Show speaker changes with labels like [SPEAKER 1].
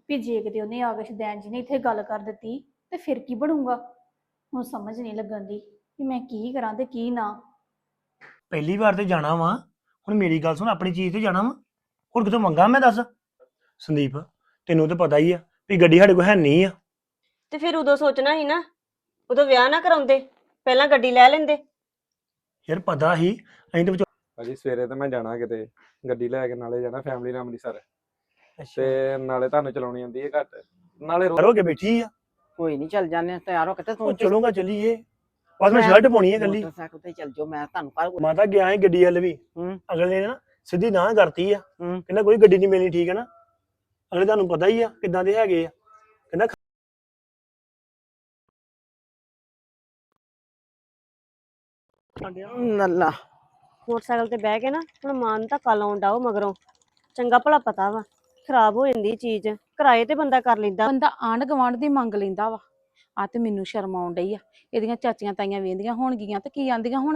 [SPEAKER 1] ਵੀ ਜੇ ਕਿਤੇ ਉਹਨੇ ਆ ਕੇ ਸ਼ਦੈਨ ਜੀ ਨੇ ਇੱਥੇ ਗੱਲ ਕਰ ਦਿੱਤੀ ਤੇ ਫਿਰ ਕੀ ਬਣੂਗਾ। ਹੁਣ ਸਮਝ ਨਹੀਂ ਲੱਗਣ ਦੀ ਕਿ ਮੈਂ ਕੀ ਕਰਾਂ ਤੇ ਕੀ ਨਾ।
[SPEAKER 2] ਪਹਿਲੀ ਵਾਰ ਤੇ ਜਾਣਾ ਵਾ। ਹੁਣ ਮੇਰੀ ਗੱਲ ਸੁਣ, ਆਪਣੀ ਚੀਜ਼ ਤੇ ਜਾਣਾ ਵਾ, ਹੋਰ ਕਿਤੋਂ ਮੰਗਾ ਮੈਂ ਦੱਸ। ਸੰਦੀਪ, ਤੈਨੂੰ ਤਾਂ ਪਤਾ ਹੀ ਆ ਵੀ ਗੱਡੀ ਸਾਡੇ ਕੋਲ ਹੈ ਨਹੀਂ ਆ।
[SPEAKER 3] ਤੇ ਫਿਰ ਉਦੋਂ ਸੋਚਣਾ ਸੀ ਨਾ, ਉਦੋਂ ਵਿਆਹ ਨਾ ਕਰਾਉਂਦੇ, ਪਹਿਲਾਂ ਗੱਡੀ ਲੈ ਲੈਂਦੇ।
[SPEAKER 2] ਯਾਰ ਪਤਾ ਹੀ ਅਸੀਂ ਤਾਂ
[SPEAKER 4] ਭਾਜੀ ਸਵੇਰੇ ਤਾਂ ਮੈਂ ਜਾਣਾ ਕਿਤੇ, ਗੱਡੀ ਲੈ ਕੇ ਨਾਲੇ ਜਾਣਾ ਫੈਮਿਲੀ ਨਾਲ ਅੰਮ੍ਰਿਤਸਰ, ਤੇ ਨਾਲੇ ਤੁਹਾਨੂੰ ਚਲਾਉਣੀ ਆਉਂਦੀ ਹੈ ਘੱਟ, ਨਾਲੇ
[SPEAKER 2] ਹੋ ਕੇ ਬੈਠੀ ਆ।
[SPEAKER 5] ਕੋਈ ਨਹੀਂ ਚੱਲ ਜਾਂਦੇ ਤਿਆਰ ਹੋ ਕੇ ਤੇ
[SPEAKER 2] ਉਹ ਚਲੂਗਾ ਚੱਲੀਏ, ਬਸ ਮੈਂ ਸ਼ਰਟ ਪਾਉਣੀ ਹੈ ਗੱਲੀ।
[SPEAKER 5] ਮੋਟਰਸਾਈਕਲ ਤੇ ਚੱਲ ਜਾਓ, ਮੈਂ ਤੁਹਾਨੂੰ ਕੱਲ
[SPEAKER 2] ਮਾਤਾ ਗਿਆ ਹੈ ਗੱਡੀ ਵੱਲ ਵੀ, ਅਗਲੇ ਨੇ ਨਾ ਸਿੱਧੀ ਨਾ ਕਰਤੀ ਆ, ਕਹਿੰਦਾ ਕੋਈ ਗੱਡੀ ਨਹੀਂ ਮਿਲਣੀ, ਠੀਕ ਹੈ ਨਾ। ਅਗਲੇ ਤੁਹਾਨੂੰ ਪਤਾ ਹੀ ਆ ਕਿੱਦਾਂ ਦੇ ਹੈਗੇ ਆ, ਕਹਿੰਦਾ
[SPEAKER 5] ਨੱਲਾ
[SPEAKER 3] ਮੋਟਰਸਾਈਕਲ ਤੇ ਬਹਿ ਕੇ ਨਾ ਹੁਣ ਮਾਂ ਨੂੰ ਧੱਕਾ ਲਾਉਣ ਡਾਓ ਮਗਰੋਂ, ਚੰਗਾ ਭਲਾ ਪਤਾ ਵਾ ਖਰਾਬ ਹੋ ਜਾਂਦੀ ਚੀਜ਼, ਕਿਰਾਏ ਤੇ ਬੰਦਾ ਕਰ ਲੈਂਦਾ।
[SPEAKER 6] ਬੰਦਾ ਆਂਢ ਗੁਆਂਢ ਦੀ ਮੰਗ ਲੈਂਦਾ ਵਾ। ਆ ਤੇ ਮੈਨੂੰ ਸ਼ਰਮ ਆਉਣ ਡਈ ਆ, ਇਹਦੀਆਂ ਚਾਚੀਆਂ ਤਾਈਆਂ ਵੇਂਦੀਆਂ ਹੋਣਗੀਆਂ ਤੇ ਕੀ ਆਂਦੀਆਂ ਹੋਣਗੀਆਂ।